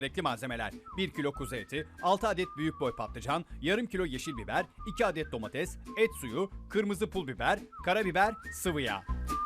Gerekli malzemeler: 1 kilo kuzu eti, 6 adet büyük boy patlıcan, yarım kilo yeşil biber, 2 adet domates, et suyu, kırmızı pul biber, karabiber, sıvı yağ.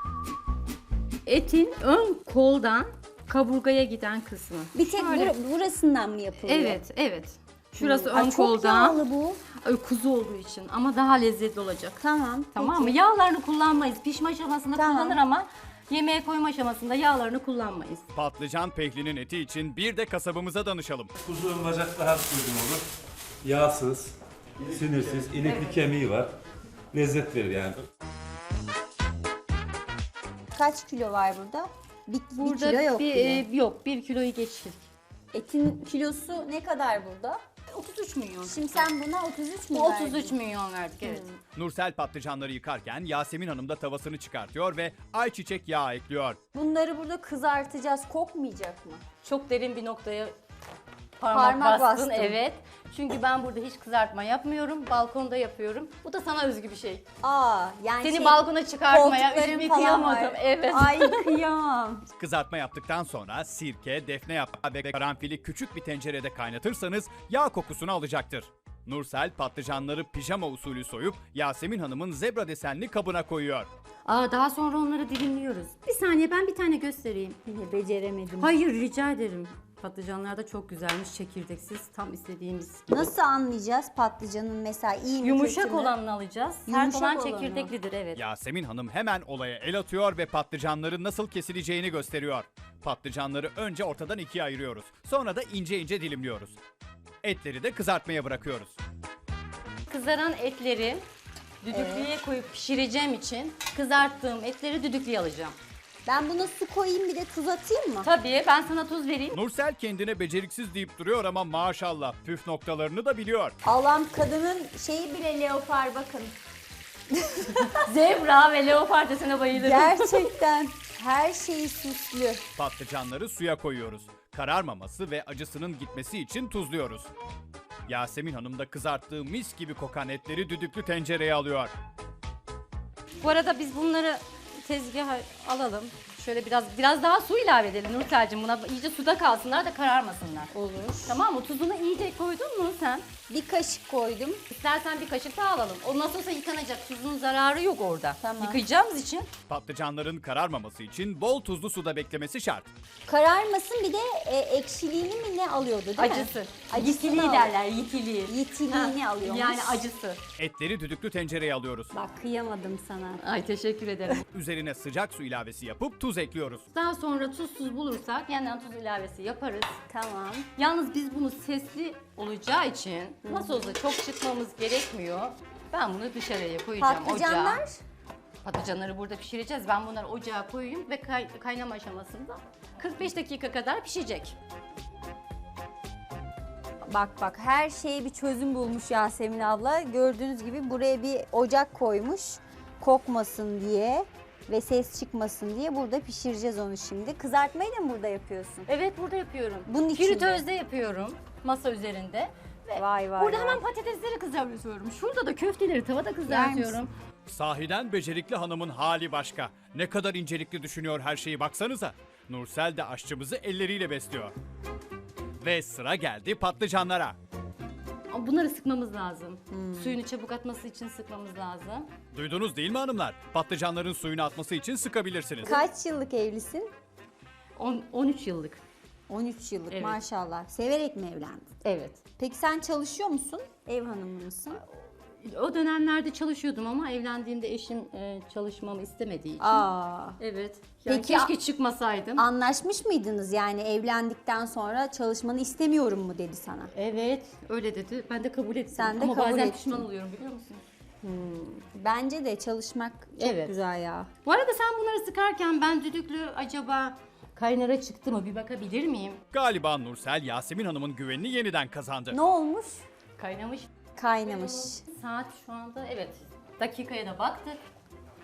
Etin ön koldan kaburgaya giden kısmı. Bir tek Şöyle. burasından mı yapılıyor? Evet, evet. Şurası Ay, ön çok koldan. yağlı bu. Ay, kuzu olduğu için ama daha lezzetli olacak. Tamam. Tamam mı? peki. Yağlarını kullanmayız. Pişme aşamasında Tamam. kullanır ama yemeğe koyma aşamasında yağlarını kullanmayız. Patlıcan pehlinin eti için bir de kasabımıza danışalım. Kuzu ön bacak daha uygun olur. Yağsız, sinirsiz, inekli kemiği var. Lezzet verir yani. Kaç kilo var burada? Bir Burada kilo yok bile. yok, 1 kiloyu geçtik. Etin kilosu ne kadar burada? 33 milyon. Şimdi sen buna 33 mü Bu verdin? 33 milyon verdik, evet. Nursel patlıcanları yıkarken Yasemin Hanım da tavasını çıkartıyor ve ayçiçek yağı ekliyor. Bunları burada kızartacağız. Kokmayacak mı? Çok derin bir noktaya Parmak parmak bastım. bastın. Evet. Çünkü ben burada hiç kızartma yapmıyorum. Balkonda yapıyorum. Bu da sana özgü bir şey. Aa, yani Seni balkona çıkartmaya koltukların üşümeye falan kıyamadım. var. Evet. Ay kıyamam. Kızartma yaptıktan sonra sirke, defne yaprağı ve karanfili küçük bir tencerede kaynatırsanız yağ kokusunu alacaktır. Nursel patlıcanları pijama usulü soyup Yasemin Hanım'ın zebra desenli kabına koyuyor. Daha sonra onları dilimliyoruz. Bir saniye, ben bir tane göstereyim. Yine beceremedim. Hayır, rica ederim. Patlıcanlar da çok güzelmiş, çekirdeksiz, tam istediğimiz gibi. Nasıl anlayacağız patlıcanın mesela iyi mi Yumuşak kötü mü? olanını alacağız. Sert Yumuşak olan olanı. çekirdeklidir, evet. Yasemin Hanım hemen olaya el atıyor ve patlıcanların nasıl kesileceğini gösteriyor. Patlıcanları önce ortadan ikiye ayırıyoruz. Sonra da ince ince dilimliyoruz. Etleri de kızartmaya bırakıyoruz. Kızaran etleri düdüklüye koyup pişireceğim için kızarttığım etleri düdüklüye alacağım. Ben buna su koyayım bir de tuz atayım mı? Tabii, ben sana tuz vereyim. Nursel kendine beceriksiz deyip duruyor ama maşallah püf noktalarını da biliyor. Allah'ım, kadının şeyi bile leopar bakın. Zebra ve leopar desene bayılırım. Gerçekten her şeyi süslü. Patlıcanları suya koyuyoruz. Kararmaması ve acısının gitmesi için tuzluyoruz. Yasemin Hanım da kızarttığı mis gibi kokan etleri düdüklü tencereye alıyor. Bu arada biz bunları tezgaha alalım. Şöyle biraz daha su ilave edelim Nursel'cim. Buna iyice suda kalsınlar da kararmasınlar. Olur. Tamam mı? Tuzunu iyice koydun mu sen? Bir kaşık koydum. İstersen bir kaşık daha alalım. O nasıl olsa yıkanacak. Tuzun zararı yok orada. Tamam. Yıkayacağımız için. Patlıcanların kararmaması için bol tuzlu suda beklemesi şart. Kararmasın, bir de ekşiliğini mi ne alıyordu değil mi? Acısı. Acısını Yitiliği alıyor. derler, yitiliği. Yitiliğini alıyormuş. Yani acısı. Etleri düdüklü tencereye alıyoruz. Bak kıyamadım sana. Ay, teşekkür ederim. Üzerine sıcak su ilavesi yapıp tuz ekliyoruz. Daha sonra tuzsuz bulursak yeniden tuz ilavesi yaparız. Tamam. Yalnız biz bunu sesli olacağı için nasıl olsa çok çıkmamız gerekmiyor. Ben bunu dışarıya koyacağım Patlıcanlar? ocağa. Patlıcanları burada pişireceğiz. Ben bunları ocağa koyayım ve kaynama aşamasında 45 dakika kadar pişecek. Bak her şeye bir çözüm bulmuş Yasemin abla. Gördüğünüz gibi buraya bir ocak koymuş. Kokmasın diye ve ses çıkmasın diye burada pişireceğiz onu şimdi. Kızartmayı da mı burada yapıyorsun? Evet, burada yapıyorum. Bunun içinde? Fritözde yapıyorum masa üzerinde. Ve Vay vay burada vay. hemen patatesleri kızartıyorum. Şurada da köfteleri tavada kızartıyorum. Sahiden becerikli hanımın hali başka. Ne kadar incelikli düşünüyor her şeyi baksanıza. Nursel de aşçımızı elleriyle besliyor. Ve sıra geldi patlıcanlara. Ama bunları sıkmamız lazım. Suyunu çabuk atması için sıkmamız lazım. Duydunuz değil mi hanımlar? Patlıcanların suyunu atması için sıkabilirsiniz. Kaç yıllık evlisin? 13 yıllık. 13 yıllık Evet. maşallah. Severek mi evlendin? Evet. Peki sen çalışıyor musun? Ev hanımı mısın? O dönemlerde çalışıyordum ama evlendiğimde eşim çalışmamı istemediği için. Aa. Evet. Yani Peki, keşke çıkmasaydım. Anlaşmış mıydınız yani evlendikten sonra çalışmanı istemiyorum mu dedi sana? Evet, öyle dedi. Ben de kabul ettim. Sen de ama kabul bazen ettin. pişman oluyorum, biliyor musun? Bence de çalışmak çok Evet. güzel ya. Bu arada sen bunları sıkarken ben düdüklü acaba kaynara çıktı mı bir bakabilir miyim? Galiba Nursel Yasemin Hanım'ın güvenini yeniden kazandı. Ne olmuş? Kaynamış. Kaynamış. Saat şu anda, evet. Dakikaya da baktık.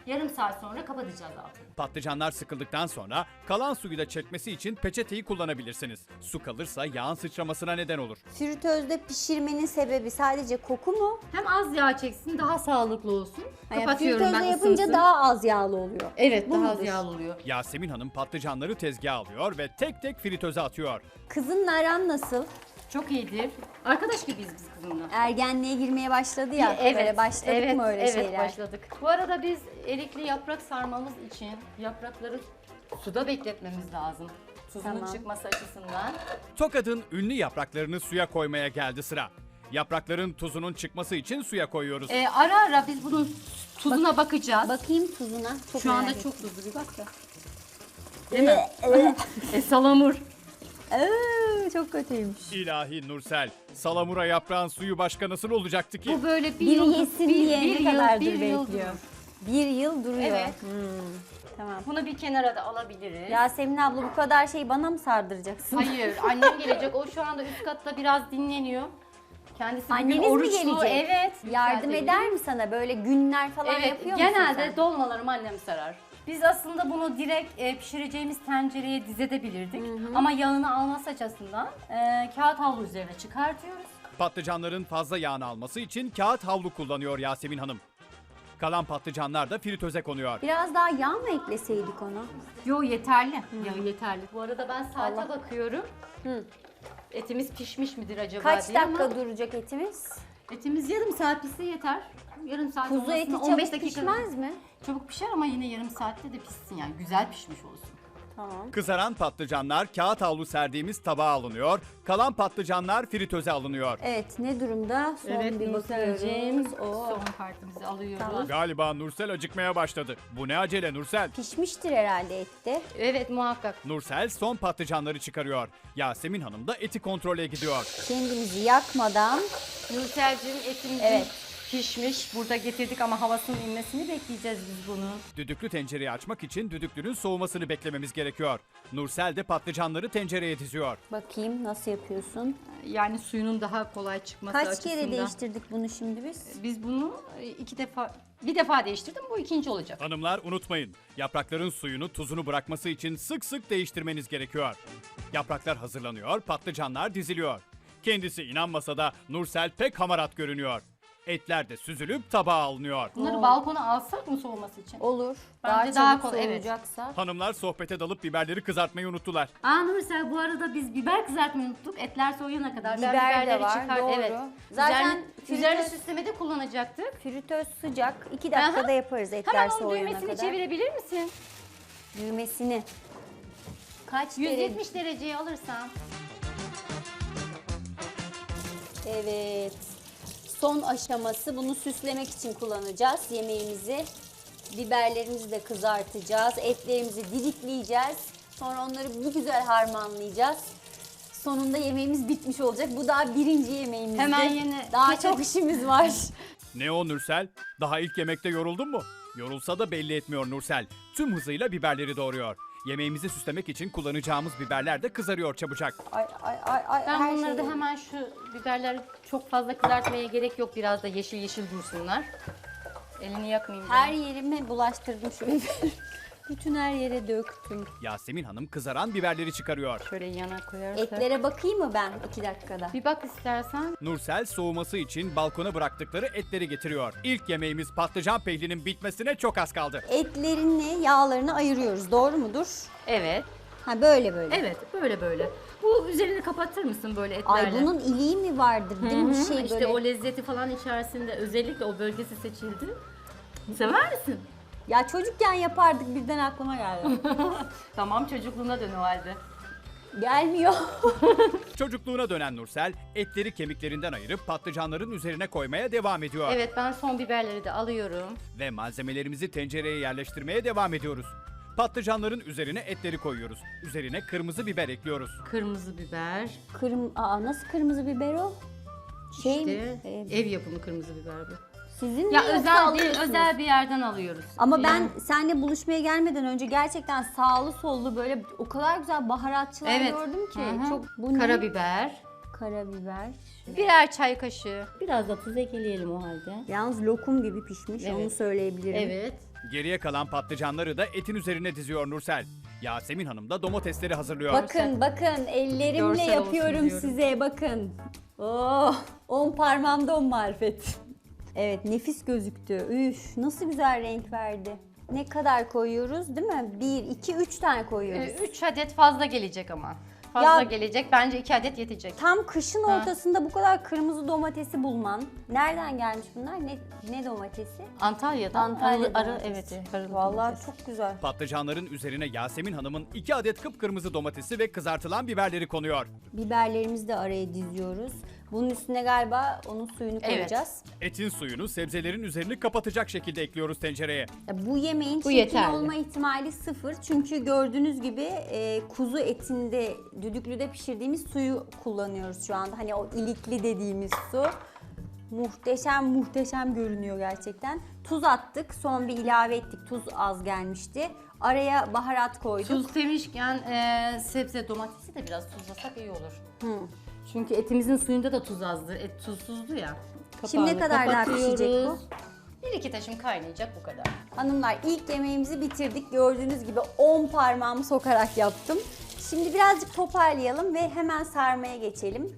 Yarım saat sonra kapatacağız altını. Patlıcanlar sıkıldıktan sonra kalan suyu da çekmesi için peçeteyi kullanabilirsiniz. Su kalırsa yağın sıçramasına neden olur. Fritözde pişirmenin sebebi sadece koku mu? Hem az yağ çeksin, daha sağlıklı olsun. Yani Kapatıyorum fritözde ben yapınca ısınsın. daha az yağlı oluyor. Evet, Bu daha mudur? az yağlı oluyor. Yasemin Hanım patlıcanları tezgaha alıyor ve tek tek fritöze atıyor. Kızınla aran nasıl? Çok iyidir. Arkadaş gibiyiz biz kızımla. Ergenliğe girmeye başladı ya. Böyle başladık mı öyle şeyler? Evet, başladık. Bu arada biz erikli yaprak sarmamız için yaprakları suda bekletmemiz lazım. Tuzunun Tamam. çıkması açısından. Tokat'ın ünlü yapraklarını suya koymaya geldi sıra. Yaprakların tuzunun çıkması için suya koyuyoruz. Ara ara biz bunun tuzuna bakacağız. Bakayım tuzuna. Çok Şu anda merak çok tuzlu bir bak ya. ettim. Salamur. Çok kötüymüş. İlahi Nursel, salamura yaprağın suyu başka nasıl olacaktı ki? Bu böyle bir Biri yıl, yesin diye ne kadardır bir yıl bekliyor. durur. Bir yıl duruyor. Evet. Tamam. Bunu bir kenara da alabiliriz. Yasemin abla bu kadar şeyi bana mı sardıracaksın? Hayır, annem gelecek. O şu anda üst katta biraz dinleniyor. Kendisi bugün Anneniz mi oruçlu. gelecek? Evet. Yardım yükseltebilir. eder mi sana? Böyle günler falan Evet, yapıyor musun genelde sen? dolmalarımı annem sarar. Biz aslında bunu direkt pişireceğimiz tencereye dizebilirdik. Ama yağını alması açısından kağıt havlu üzerine çıkartıyoruz. Patlıcanların fazla yağını alması için kağıt havlu kullanıyor Yasemin Hanım. Kalan patlıcanlar da fritöze konuyor. Biraz daha yağ mı ekleseydik ona? Yo, yeterli. Yağı yeterli. Bu arada ben saate Allah. bakıyorum. Hı. Etimiz pişmiş midir acaba Kaç diye dakika ama duracak etimiz? etimiz yarım saat pişse yeter. Yarım saat Kuzu olmasına eti 15 çabuk dakika. pişmez mi? Çabuk pişer ama yine yarım saatte de pişsin yani güzel pişmiş olsun. Tamam. Kızaran patlıcanlar kağıt havlu serdiğimiz tabağa alınıyor. Kalan patlıcanlar fritöze alınıyor. Evet, ne durumda? Son bir bakıyoruz. Oo. Son partimizi alıyoruz. Tamam. Galiba Nursel acıkmaya başladı. Bu ne acele Nursel? Pişmiştir herhalde ette. Evet, muhakkak. Nursel son patlıcanları çıkarıyor. Yasemin Hanım da eti kontrole gidiyor. Kendimizi yakmadan Nursel'cim etimiz Evet. pişmiş. Burada getirdik ama havasının inmesini bekleyeceğiz biz bunu. Düdüklü tencereyi açmak için düdüklünün soğumasını beklememiz gerekiyor. Nursel de patlıcanları tencereye diziyor. bakayım nasıl yapıyorsun. Yani suyunun daha kolay çıkması Kaç açısından. kere değiştirdik bunu şimdi biz? Biz bunu bir defa değiştirdim. Bu ikinci olacak. Hanımlar unutmayın, yaprakların suyunu tuzunu bırakması için sık sık değiştirmeniz gerekiyor. Yapraklar hazırlanıyor, patlıcanlar diziliyor. Kendisi inanmasa da Nursel pek hamarat görünüyor. Etler de süzülüp tabağa alınıyor. Bunları balkona alsak mı soğuması için? Olur. Bence daha daha çabuk kolay, evet. soğuyacaksa. Hanımlar sohbete dalıp biberleri kızartmayı unuttular. Nursel, bu arada biz biber kızartmayı unuttuk. Etler soğuyana kadar. Ben Biber de biberleri var, doğru. Evet. Zaten üzerine fritöz- süslemede kullanacaktık. Fritöz sıcak. 2 dakikada Aha. yaparız etler Hemen onun soğuyana düğmesini kadar. çevirebilir misin? Düğmesini. Kaç derece? 170 dereceye alırsan. Evet. Son aşaması, bunu süslemek için kullanacağız yemeğimizi. Biberlerimizi de kızartacağız. Etlerimizi didikleyeceğiz. Sonra onları bir güzel harmanlayacağız. Sonunda yemeğimiz bitmiş olacak. Bu daha birinci yemeğimizdi. Hemen yeni Daha ketçap- çok işimiz var. Ne o Nursel? Daha ilk yemekte yoruldun mu? Yorulsa da belli etmiyor Nursel. Tüm hızıyla biberleri doğruyor. Yemeğimizi süslemek için kullanacağımız biberler de kızarıyor çabucak. Ay ay ay ay. Ben her bunları da şey- hemen şu biberleri çok fazla kızartmaya gerek yok. Biraz da yeşil yeşil dursunlar. Elini yakmayayım. Her yerime bulaştırdım şu biberi. Bütün her yere döktüm. Yasemin Hanım kızaran biberleri çıkarıyor. Şöyle yana koyarsak. Etlere bakayım mı ben 2 dakikada? Bir bak istersen. Nursel soğuması için balkona bıraktıkları etleri getiriyor. İlk yemeğimiz patlıcan pehlinin bitmesine çok az kaldı. Etlerini, yağlarını ayırıyoruz. Doğru mudur? Evet. Ha böyle böyle. Evet, böyle böyle. Bu üzerini kapatır mısın böyle etlerle? Ay bunun iliği mi vardır değil mi? Şey İşte böyle. o lezzeti falan içerisinde özellikle o bölgesi seçildi. Sever misin? Ya çocukken yapardık birden aklıma geldi. Tamam, çocukluğuna dön o halde. Gelmiyor. Çocukluğuna dönen Nursel etleri kemiklerinden ayırıp patlıcanların üzerine koymaya devam ediyor. Evet, ben son biberleri de alıyorum. Ve malzemelerimizi tencereye yerleştirmeye devam ediyoruz. Patlıcanların üzerine etleri koyuyoruz. Üzerine kırmızı biber ekliyoruz. Kırmızı biber. Nasıl kırmızı biber o? Şey İşte mi? ev yapımı kırmızı biber bu. Sizin mi Ya yoksa özel alıyorsunuz? özel bir yerden alıyoruz. Ama ben Yani- seninle buluşmaya gelmeden önce gerçekten sağlı sollu böyle o kadar güzel baharatçılar Evet. gördüm ki. Hı hı. Çok bu ne? Karabiber. Karabiber. Birer çay kaşığı. Biraz da tuz ekleyelim o halde. Yalnız lokum gibi pişmiş Evet. onu söyleyebilirim. Evet. Geriye kalan patlıcanları da etin üzerine diziyor Nursel. Yasemin Hanım da domatesleri hazırlıyor. Bakın ellerimle Görsel olsun yapıyorum diyorum. size bakın. Oh, 10 parmağımda 10 marifet. Evet nefis gözüktü. Üf nasıl güzel renk verdi. Ne kadar koyuyoruz değil mi? 1, 2, 3 tane koyuyoruz. 3 adet fazla gelecek ama. Fazla Ya- gelecek. Bence 2 adet yetecek. Tam kışın Ha. ortasında bu kadar kırmızı domatesi bulman. Nereden gelmiş bunlar? Ne domatesi? Antalya'dan Antalya arı domatesi. evet. Arılı Vallahi domates. çok güzel. Patlıcanların üzerine Yasemin Hanım'ın 2 adet kıpkırmızı domatesi ve kızartılan biberleri konuyor. Biberlerimizi de araya diziyoruz. Bunun üstüne galiba onun suyunu Evet. koyacağız. Etin suyunu sebzelerin üzerini kapatacak şekilde ekliyoruz tencereye. Ya bu yemeğin Bu çirkin yeterli. olma ihtimali 0. Çünkü gördüğünüz gibi kuzu etinde düdüklüde pişirdiğimiz suyu kullanıyoruz şu anda. Hani o ilikli dediğimiz su. Muhteşem görünüyor gerçekten. Tuz attık, son bir ilave ettik. Tuz az gelmişti. Araya baharat koyduk. Tuz demişken sebze domatesi de biraz tuzlasak iyi olur. Çünkü etimizin suyunda da tuz azdı. Et tuzsuzdu ya. Şimdi ne kadar daha kapatıyoruz. pişecek bu? 1-2 taşım kaynayacak bu kadar. Hanımlar ilk yemeğimizi bitirdik. Gördüğünüz gibi 10 parmağımı sokarak yaptım. Şimdi birazcık toparlayalım ve hemen sarmaya geçelim.